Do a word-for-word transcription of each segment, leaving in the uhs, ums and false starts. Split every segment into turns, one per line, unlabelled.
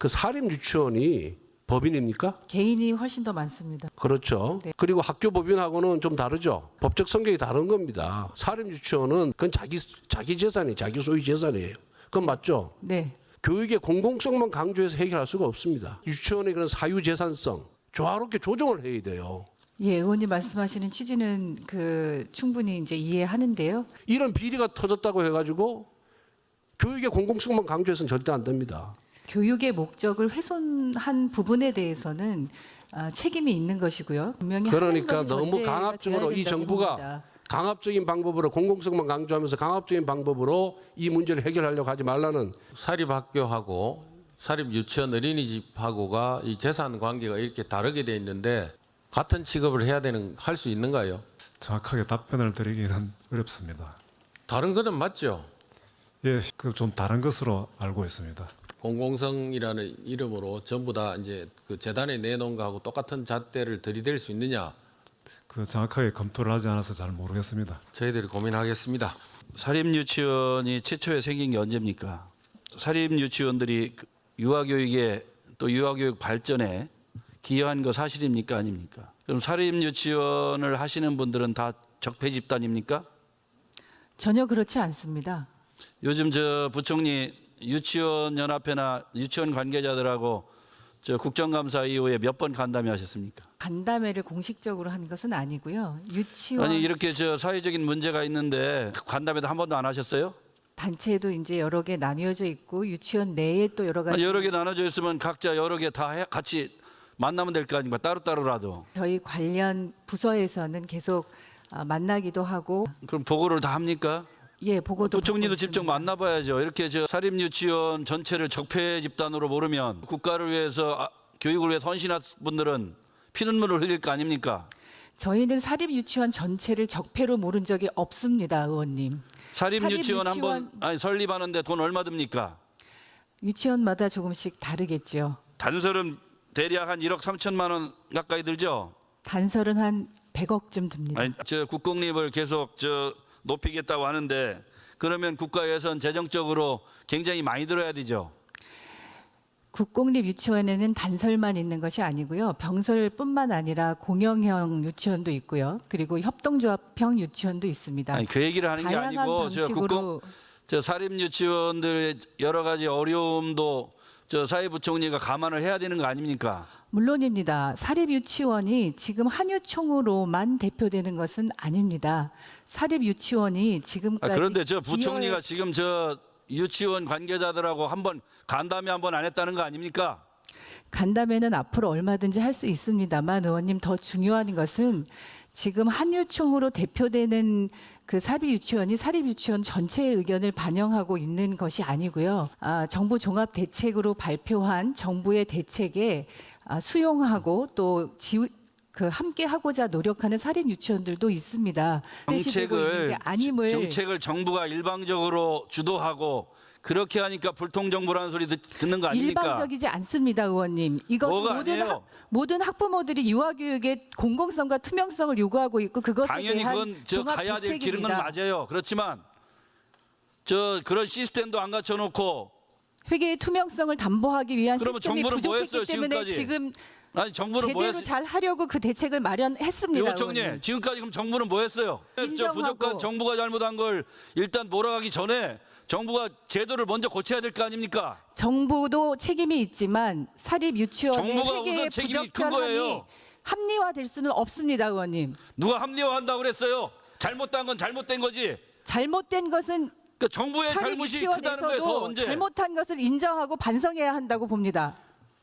그 사립 유치원이 법인입니까?
개인이 훨씬 더 많습니다.
그렇죠.
네.
그리고 학교 법인하고는 좀 다르죠. 법적 성격이 다른 겁니다. 사립 유치원은 그건 자기 자기 재산이 자기 소유 재산이에요. 그건 맞죠?
네.
교육의 공공성만 강조해서 해결할 수가 없습니다. 유치원의 그런 사유 재산성 조화롭게 조정을 해야 돼요.
예, 의원님 말씀하시는 취지는 그 충분히 이제 이해하는데요.
이런 비리가 터졌다고 해가지고 교육의 공공성만 강조해서는 절대 안 됩니다.
교육의 목적을 훼손한 부분에 대해서는 아, 책임이 있는 것이고요. 분명히
그러니까
하는 것이
너무
전제가
강압적으로
돼야
이
된다고
정부가
봅니다.
강압적인 방법으로 공공성만 강조하면서 강압적인 방법으로 이 문제를 해결하려고 하지 말라는.
사립학교하고 사립 유치원 어린이집하고가 이 재산 관계가 이렇게 다르게 돼 있는데 같은 취급을 해야 되는 할 수 있는가요?
정확하게 답변을 드리기는 어렵습니다.
다른 거는 맞죠?
예, 그 좀 다른 것으로 알고 있습니다.
공공성이라는 이름으로 전부 다 이제 그 재단에 내놓은 거하고 똑같은 잣대를 들이댈 수 있느냐?
그 정확하게 검토를 하지 않아서 잘 모르겠습니다.
저희들이 고민하겠습니다.
사립유치원이 최초에 생긴 게 언제입니까? 사립유치원들이 유아교육에 또 유아교육 발전에 기여한 거 사실입니까? 아닙니까? 그럼 사립유치원을 하시는 분들은 다 적폐 집단입니까?
전혀 그렇지 않습니다.
요즘 저 부총리 유치원 연합회나 유치원 관계자들하고 저 국정감사 이후에 몇 번 간담회 하셨습니까?
간담회를 공식적으로 한 것은 아니고요. 유치원
아니 이렇게 저 사회적인 문제가 있는데 간담회도 한 번도 안 하셨어요?
단체도 이제 여러 개 나뉘어져 있고 유치원 내에 또 여러 가지
아니, 여러 개 나눠져 있으면 각자 여러 개 다 같이 만나면 될 거 아닙니까? 따로따로라도.
저희 관련 부서에서는 계속 아, 만나기도 하고
그럼 보고를 다 합니까?
예 보고도
부총리도
받고
직접
있습니다.
만나봐야죠. 이렇게 저 사립유치원 전체를 적폐 집단으로 모르면 국가를 위해서 아, 교육을 위해 헌신한 분들은 피눈물을 흘릴 거 아닙니까?
저희는 사립 유치원 전체를 적폐로 모른 적이 없습니다, 의원님.
사립유치원
사립
한번
유치원-
아니 설립하는데 돈 얼마 듭니까?
유치원마다 조금씩 다르겠죠.
단설은 대략 한 일억 삼천만 원 가까이 들죠.
단설은 한 백억쯤 듭니다.
아니 저 국공립을 계속 저 높이겠다고 하는데 그러면 국가 예산 재정적으로 굉장히 많이 들어야 되죠.
국공립 유치원에는 단설만 있는 것이 아니고요. 병설뿐만 아니라 공영형 유치원도 있고요. 그리고 협동조합형 유치원도 있습니다.
아니 그 얘기를 하는 게
다양한
아니고 저 국공
방식으로
저 사립 유치원들의 여러 가지 어려움도 저 사회부총리가 감안을 해야 되는 거 아닙니까?
물론입니다. 사립 유치원이 지금 한유총으로만 대표되는 것은 아닙니다. 사립 유치원이
아,
지금까지
그런데 저 부총리가
기여해-
지금 저 유치원 관계자들하고 한번 간담회 한번 안 했다는 거 아닙니까?
간담회는 앞으로 얼마든지 할 수 있습니다만 의원님 더 중요한 것은 지금 한유총으로 대표되는 그 사립 유치원이 사립 유치원 전체의 의견을 반영하고 있는 것이 아니고요. 아, 정부 종합 대책으로 발표한 정부의 대책에 아, 수용하고 또 지우, 그 함께 하고자 노력하는 사립 유치원들도 있습니다. 되시되고 있는
정책을
게 아님을
정책을 정부가 일방적으로 주도하고 그렇게 하니까 불통정부라는 소리 듣, 듣는 거 아닙니까?
일방적이지 않습니다, 의원님. 이것은
뭐가
모든,
아니에요?
학, 모든 학부모들이 유아교육의 공공성과 투명성을 요구하고 있고 그것에
당연히
대한
그건 저
종합
가야 될 길은 건
대책입니다.
맞아요. 그렇지만 저 그런 시스템도 안 갖춰놓고
회계의 투명성을 담보하기 위한
그러면
시스템이
정부는 뭐
부족했기
했어요,
때문에
지금까지?
지금
아니 정부는 뭐
제대로
했어요?
잘 하려고 그 대책을 마련했습니다.
부총리
의원님.
지금까지 그럼 정부는 뭐 했어요? 저
인정하고.
부족한 정부가 잘못한 걸 일단 몰아가기 전에 정부가 제도를 먼저 고쳐야 될 거 아닙니까?
정부도 책임이 있지만 사립 유치원의
정부가
회계의
우선 책임이 큰
부적절함이
거예요.
합리화될 수는 없습니다, 의원님.
누가 합리화한다고 그랬어요? 잘못한 건 잘못된 거지.
잘못된 것은
그러니까 정부의
사립
잘못이 크다는 거예요. 더
유치원에서도
언제?
잘못한 것을 인정하고 반성해야 한다고 봅니다.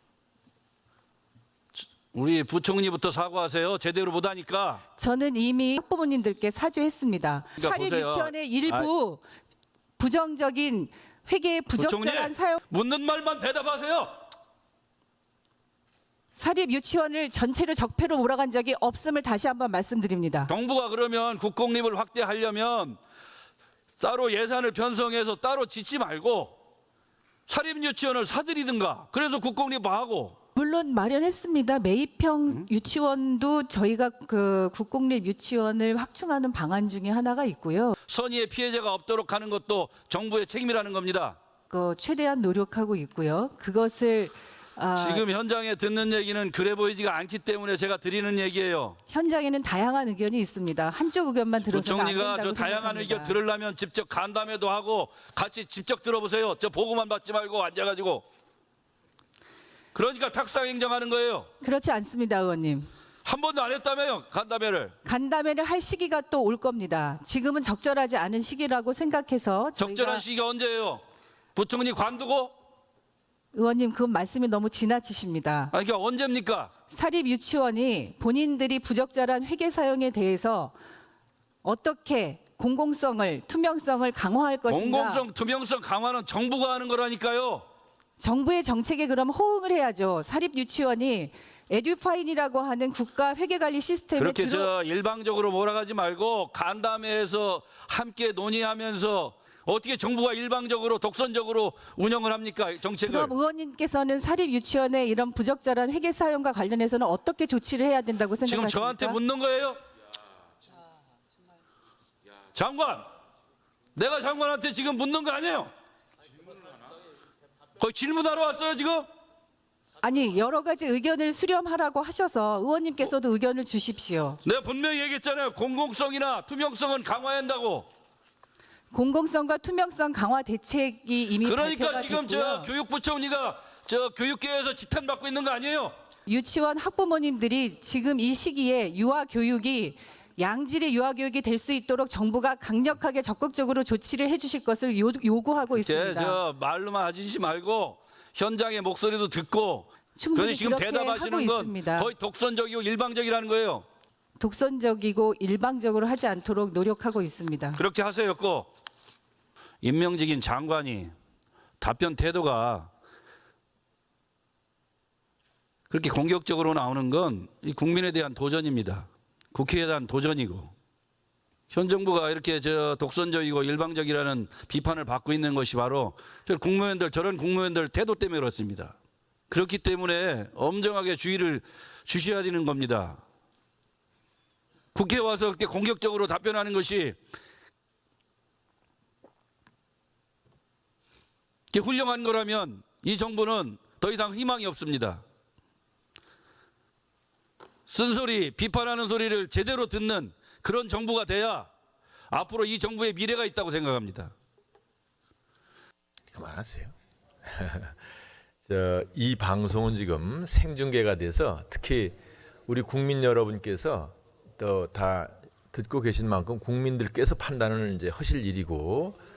우리 부총리부터 사과하세요. 제대로 못하니까.
저는 이미 학부모님들께 사죄했습니다.
그러니까
사립
보세요.
유치원의 일부 부정적인 회계의 부적절한
부총리
사용
묻는 말만 대답하세요.
사립 유치원을 전체로 적폐로 몰아간 적이 없음을 다시 한번 말씀드립니다.
정부가 그러면 국공립을 확대하려면 따로 예산을 편성해서 따로 짓지 말고 사립 유치원을 사들이든가. 그래서 국공립화하고.
물론 마련했습니다. 매입형 유치원도 저희가 그 국공립 유치원을 확충하는 방안 중에 하나가 있고요.
선의의 피해자가 없도록 하는 것도 정부의 책임이라는 겁니다.
그 최대한 노력하고 있고요. 그것을 아,
지금 현장에 듣는 얘기는 그래 보이지가 않기 때문에 제가 드리는 얘기예요.
현장에는 다양한 의견이 있습니다. 한쪽 의견만 들어서는 안
부총리가
된다고
저 다양한
생각합니다.
의견 들으려면 직접 간담회도 하고 같이 직접 들어보세요. 저 보고만 받지 말고 앉아가지고. 그러니까 탁상 행정하는 거예요.
그렇지 않습니다, 의원님.
한 번도 안 했다며요, 간담회를.
간담회를 할 시기가 또 올 겁니다. 지금은 적절하지 않은 시기라고 생각해서 저희가
적절한 시기가 언제예요? 부총리 관두고?
의원님 그 말씀이 너무 지나치십니다.
아니, 그러니까 언제입니까?
사립 유치원이 본인들이 부적절한 회계 사용에 대해서 어떻게 공공성을 투명성을 강화할 것인가?
공공성, 투명성 강화는 정부가 하는 거라니까요.
정부의 정책에 그럼 호응을 해야죠. 사립 유치원이 에듀파인이라고 하는 국가 회계관리 시스템에
그렇게
들어
저 일방적으로 몰아가지 말고 간담회에서 함께 논의하면서 어떻게 정부가 일방적으로 독선적으로 운영을 합니까, 정책을?
그럼 의원님께서는 사립 유치원의 이런 부적절한 회계 사용과 관련해서는 어떻게 조치를 해야 된다고
지금
생각하십니까?
저한테 묻는 거예요? 장관, 내가 장관한테 지금 묻는 거 아니에요? 거의 질문하러 왔어요 지금?
아니 여러 가지 의견을 수렴하라고 하셔서 의원님께서도 의견을 주십시오.
내가 분명히 얘기했잖아요. 공공성이나 투명성은 강화해야 한다고.
공공성과 투명성 강화 대책이 이미
그러니까
발표가
지금
됐고요.
저 교육부총리가 저 교육계에서 지탄받고 있는 거 아니에요?
유치원 학부모님들이 지금 이 시기에 유아 교육이 양질의 유아 교육이 될 수 있도록 정부가 강력하게 적극적으로 조치를 해주실 것을 요, 요구하고
제
있습니다.
저 말로만 하시지 말고 현장의 목소리도 듣고.
충분히
그런데 지금
그렇게
대답하시는
하고
건
있습니다.
거의 독선적이고 일방적이라는 거예요.
독선적이고 일방적으로 하지 않도록 노력하고 있습니다.
그렇게 하세요였고, 임명직인 장관이 답변 태도가 그렇게 공격적으로 나오는 건 이 국민에 대한 도전입니다. 국회에 대한 도전이고, 현 정부가 이렇게 저 독선적이고 일방적이라는 비판을 받고 있는 것이 바로 저 국무위원들, 저런 국무위원들 태도 때문에 그렇습니다. 그렇기 때문에 엄정하게 주의를 주셔야 되는 겁니다. 국회에 와서 그렇게 공격적으로 답변하는 것이 이렇게 훌륭한 거라면 이 정부는 더 이상 희망이 없습니다. 쓴소리, 비판하는 소리를 제대로 듣는 그런 정부가 돼야 앞으로 이 정부의 미래가 있다고 생각합니다.
그만하세요. 저, 이 방송은 지금 생중계가 돼서 특히 우리 국민 여러분께서 또 다 듣고 계신 만큼 국민들께서 판단을 이제 하실 일이고